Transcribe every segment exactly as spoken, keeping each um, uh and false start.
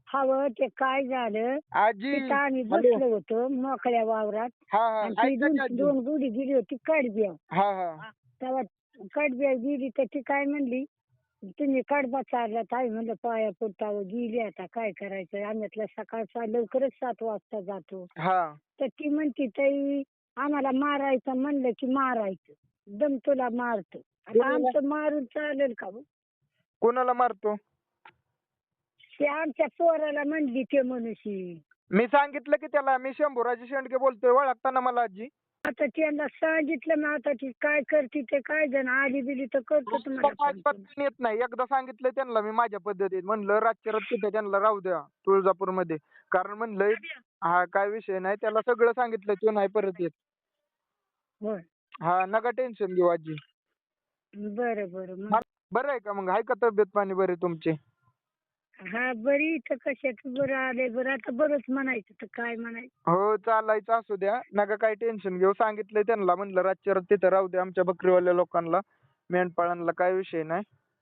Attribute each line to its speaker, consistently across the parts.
Speaker 1: हवं ते काय झालं,
Speaker 2: आजी
Speaker 1: तिथं आम्ही
Speaker 2: हॅलो
Speaker 1: बसलो होतो मोकळ्या वावरात
Speaker 2: हा हा
Speaker 1: आणि ती
Speaker 2: ऐका
Speaker 1: दोन
Speaker 2: की आजी
Speaker 1: दोन गुढी गेली होती कडब्या.
Speaker 2: हा हा
Speaker 1: तेव्हा कडब्या गेली तर ती काय म्हणली, तुम्ही कडबा चाललात. आई म्हणलं पाया पडतावं, गेली आता काय करायचं. आम्ही सकाळचा लवकरच सात वाजता जातो.
Speaker 2: हा
Speaker 1: तर ती म्हणती ताई आम्हाला मारायचं म्हणलं की मारायचं, दम तुला मारतो. आता
Speaker 2: कोणाला
Speaker 1: आमचं मारून चालेल का हो?
Speaker 2: कोणाला मारतो?
Speaker 1: ते आमच्या पोराला म्हणली ते मनुष्य.
Speaker 2: मी सांगितलं की त्याला मी शंभूराजे शेंडके बोलतोय, ओळखता ना मला आजी?
Speaker 1: आता त्यांना सांगितलं ना, आता ती काय करते ते काय जण आली बिली तर करतो तुम्हाला फोन.
Speaker 2: अजिबात पण येत नाही. एकदा सांगितलं त्यांना मी माझ्या पद्धतीत, म्हणलं रातच्या रात तिथे त्यांना राहू द्या तुळजापूर मध्ये, कारण म्हणलं हा काय विषय नाही, त्याला सगळं सांगितलं तो नाही परत येत.
Speaker 1: होय.
Speaker 2: हा नका टेन्शन घेऊ आजी.
Speaker 1: बरं बरं
Speaker 2: हा,
Speaker 1: मग.
Speaker 2: बरं आहे का मग? आहे का तब्येत पाणी बरी तुमची?
Speaker 1: हा बरी इथं कशाच बरं आले बरं, आता बरंच म्हणायचं तर काय म्हणायचं.
Speaker 2: हो चालायचं असू द्या, नका काही टेन्शन घेऊ. सांगितलंय त्यांना, म्हणलं रातच्या रात तिथं राहू द्या आमच्या बकरीवाल्या लोकांना, मेंढपाळांना, काय विषय नाही.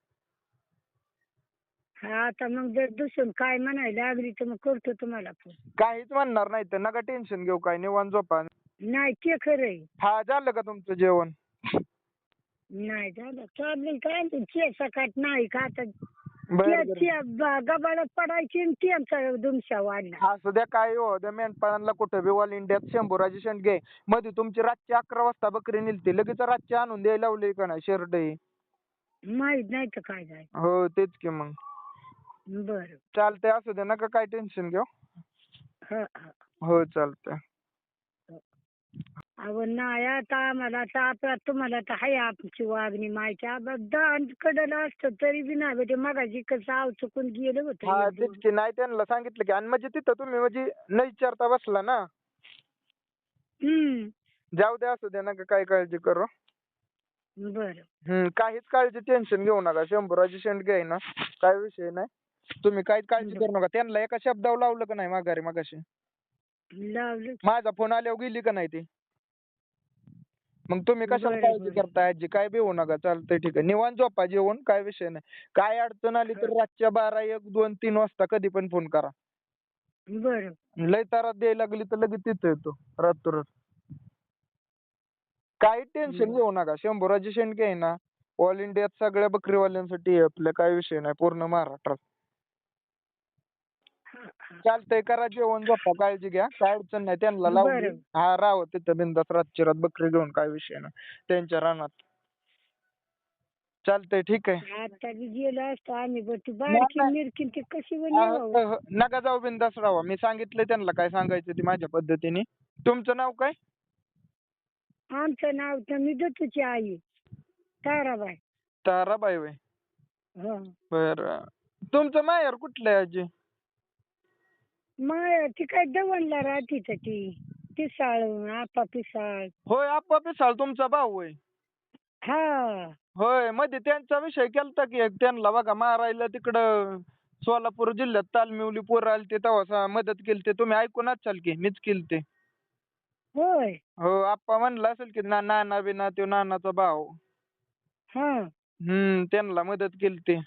Speaker 1: हा आता मग जर दुसरं काय म्हणायला लागली तर मग करतो तुम्हाला फोन.
Speaker 2: काहीच म्हणणार नाही तर नका टेन्शन घेऊ, काय निवांत झोपा.
Speaker 1: नाही ते खरंय.
Speaker 2: हा झालं का तुमचं जेवण?
Speaker 1: नाही झालं चाललंय काय ते सकाळ नाही का आता
Speaker 2: बरं बरं
Speaker 1: गबाळात पडायची आणि त्यांचा दुमशा वाढला.
Speaker 2: असू द्या, काय हो त्या मेंढपाळांना कुठं बी ऑल इंडियात शंभूराजे शेंडगे मध्ये तुमची रातची अकरा वाजता बकरी निघते, लगेच रातची आणून द्यायला लावली का नाही शर्ट ही?
Speaker 1: माहित नाही तर काय जाय.
Speaker 2: हो तेच की मग.
Speaker 1: बरं.
Speaker 2: चालतंय असू द्या, नका काय टेन्शन घेऊ.
Speaker 1: हा हा.
Speaker 2: हो चालतंय.
Speaker 1: अहो नाही आता आम्हाला आता आपला तुम्हाला तर आहे आमची वागणी माहिती दान कडलं असतं तरी बी नाही भेटे. मगाशी कसं आव चुकून गेलं होतं
Speaker 2: हा
Speaker 1: एक
Speaker 2: तेच
Speaker 1: दोन.
Speaker 2: की, नाही त्यांना सांगितलं की, आणि म्हणजे तिथं तुम्ही म्हणजे न विचारता बसला ना.
Speaker 1: हम्म.
Speaker 2: जाऊ द्या असू द्या, नका काय काळजी करू.
Speaker 1: बरं.
Speaker 2: हम्म काहीच काळजी टेन्शन घेऊ नका. शंभूराजे शेंडगे आहे ना, काय विषय नाही. तुम्ही काहीच काळजी करू नका. त्यांना एका शब्दावर लावलं का नाही माघारी मगाशी?
Speaker 1: लावलं.
Speaker 2: माझा फोन आल्यावर गेली का नाही ती? मग तुम्ही कशाला
Speaker 1: बरं,
Speaker 2: काळजी
Speaker 1: बरं.
Speaker 2: करताय आजी? काय बी होऊ नका, चालतंय ठीक आहे. निवांत झोपा, जेवण काय विषय नाही. काय अडचण आली तर रातच्या बारा एक दोन तीन वाजता कधी पण फोन करा.
Speaker 1: बरं.
Speaker 2: लय तारात द्यायला लागली तर लगेच तिथं येतो रातोरात. काही टेन्शन घेऊ नका. शंभूराजे शेंडगे आहे ना, ऑल इंडियात सगळ्या बकरीवाल्यांसाठी आहे आपल्या, काय विषय नाही, पूर्ण महाराष्ट्रात.
Speaker 1: हा, हा.
Speaker 2: चालतंय, करा जेवण, झोपा, काळजी घ्या, काय अडचण नाही. त्यांना लावली
Speaker 1: बरं.
Speaker 2: हा राहावं तिथं बिंदास रातची रात बकरी घेऊन, काय विषय नाही त्यांच्या रानात. चालतंय ठीक आहे.
Speaker 1: आता बी गेलो असतो आम्ही बरं ती
Speaker 2: नाही,
Speaker 1: बारकी
Speaker 2: नाही.
Speaker 1: मिरकी ती कशी
Speaker 2: हा,
Speaker 1: बनवावं.
Speaker 2: हो, हो. नका जाऊ, बिंदास राहा. मी सांगितलंय त्यांना काय सांगायचं ते माझ्या पद्धतीने. तुमचं नाव काय?
Speaker 1: आमचं नाव तर मी दत्तूची आई ताराबाई.
Speaker 2: ताराबाई होय.
Speaker 1: हो.
Speaker 2: बरं. तुमचं माहेर कुठलं आहे आजी?
Speaker 1: मग ती काय दवणला राहते तर ती पिसाळ आपा पिसाळ.
Speaker 2: होय, आप्पा पिसाळ तुमचा भाऊ होय.
Speaker 1: हा.
Speaker 2: होय, मध्ये त्यांचा विषय केलता की एक, त्यांना बघा मारायला तिकडं सोलापूर जिल्ह्यात तालमिवली पोरं आलते तेव्हा मदत केली. तुम्ही ऐकून असाल की मीच केलते.
Speaker 1: होय.
Speaker 2: हो, आप्पा म्हणला असेल की ना नाना बिना त्यो नानाचा भाऊ.
Speaker 1: हा.
Speaker 2: हम्म त्यांना मदत केलती.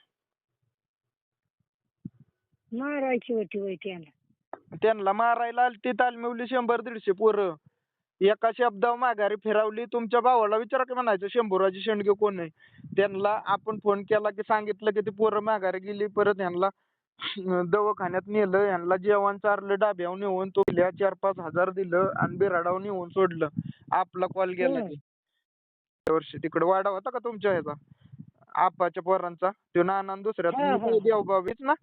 Speaker 1: मारायची होती होय त्याला.
Speaker 2: त्यांना मारायला आलती तालमिवली शंभर दीडशे पोरं. एका शब्दावर माघारी फिरवली. तुमच्या भावाला विचारा की म्हणायचं शंभूराजे शेंडगे कोण आहे. त्यांना आपण फोन केला की सांगितलं की ती पोरं माघारी गेली. परत ह्यांना दवाखान्यात नेलं, ह्यांना जेवण चारलं, डाब्यावर नेऊन तोल्या चार पाच हजार दिलं आणि बिराडावर नेऊन सोडलं. आपला कॉल गेला
Speaker 1: होय.
Speaker 2: की वर्षी तिकडे वाडा होता का तुमच्या ह्याचा आपाच्या पोरांचा, तो नाना आणि दुसऱ्या
Speaker 1: हा, हा.
Speaker 2: देवबाबीच ना.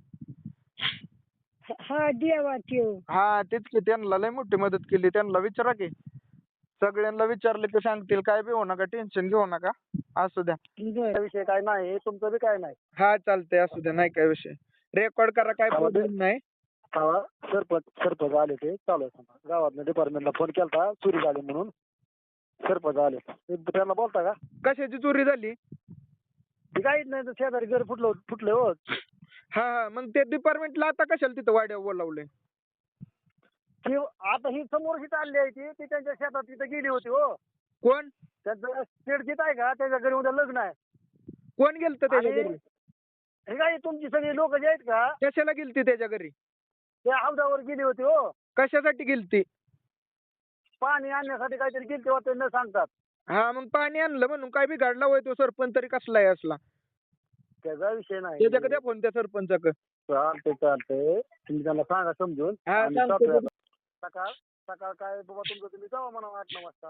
Speaker 1: हा देवा त्यो.
Speaker 2: हा तेच की, त्यांना लय मोठी मदत केली. त्यांना विचारा की, सगळ्यांना विचारलं की सांगतील. काय बी होऊ नका, टेन्शन घेऊ नका, असू द्या.
Speaker 1: बर.
Speaker 3: विषय काय नाही, तुमचं बी काय नाही.
Speaker 2: हा चालतंय, असू द्या, नाही काय विषय. रेकॉर्ड करा, काय प्रॉब्लेम नाही.
Speaker 3: हा सरपंच सरपंच आले ते चालू आहे. गावातल्या डिपार्टमेंटला फोन केलता, चोरी झाली म्हणून. सरपंच आले, ते त्यांना बोलता का?
Speaker 2: कशाची चोरी झाली?
Speaker 3: ती काहीच नाही, शेजारी घर फुटलं फुटले हो.
Speaker 2: हा हा मग ते डिपार्टमेंटला आता कशाला तिथं वाड्यावर बोलावलंय?
Speaker 3: ती आता ही समोरची चालली आहे ती ती त्यांच्या शेतात तिथे गेली होती हो.
Speaker 2: कोण
Speaker 3: त्यांचं शेडजीत आहे का, त्याच्या घरी उद्या लग्न आहे.
Speaker 2: कोण गेलतं त्याच्या
Speaker 3: आणि
Speaker 2: घरी?
Speaker 3: हे काय तुमची सगळी लोक जे आहेत का,
Speaker 2: कशाला गेलती त्याच्या घरी?
Speaker 3: ते हौदावर गेली होती हो,
Speaker 2: कशासाठी गेलती?
Speaker 3: पाणी आणण्यासाठी काहीतरी गेलते होते न सांगतात.
Speaker 2: हा मग पाणी आणलं म्हणून काय बिघडला होय तो सरपंच तरी कसला आहे असला?
Speaker 3: त्याचा विषय नाही.
Speaker 2: त्याच्याकडे द्या फोन त्या सरपंचाकडे.
Speaker 3: चालते चालते, तुम्ही त्यांना सांगा समजून.
Speaker 2: हा,
Speaker 3: आणि
Speaker 2: सांगतो.
Speaker 3: जातोय आता. सकाळ सकाळ काय बाबा तुमचं तुम्ही जावा म्हणा आठ नऊ वाजता.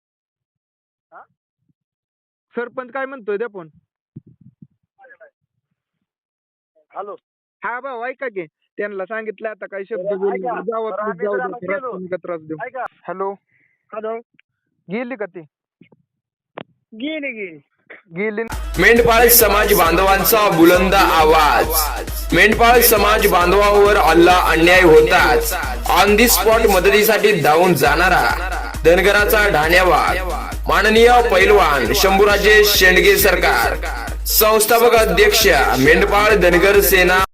Speaker 2: सरपंच काय म्हणतोय द्या फोन.
Speaker 3: हॅलो,
Speaker 2: हा भाऊ ऐका की, त्यांना सांगितलं आता काही शब्द
Speaker 3: बरं,
Speaker 2: बोलू
Speaker 3: ऐका.
Speaker 2: नका. जावा
Speaker 3: बरं,
Speaker 2: तुम्ही,
Speaker 3: आम्ही
Speaker 2: जाऊ
Speaker 3: जरा
Speaker 2: द्या,
Speaker 3: गेलो.
Speaker 2: त्रास नका त्रास देऊ.
Speaker 3: ऐका.
Speaker 2: हॅलो,
Speaker 3: हॅलो,
Speaker 2: गेली का ती?
Speaker 3: गेली गेली.
Speaker 2: गेली.
Speaker 4: मेंढपाळ समाज बांधवांचा बुलंद आवाज. मेंढपाळ समाज बांधवांवर अल्ला अन्याय होताच ऑन दी स्पॉट मदतीसाठी धावून जाणारा धनगराचा ढाण्यावाग माननीय पैलवान शंभूराजे शेंडगे सरकार, संस्थापक अध्यक्ष मेंढपाळ धनगर सेना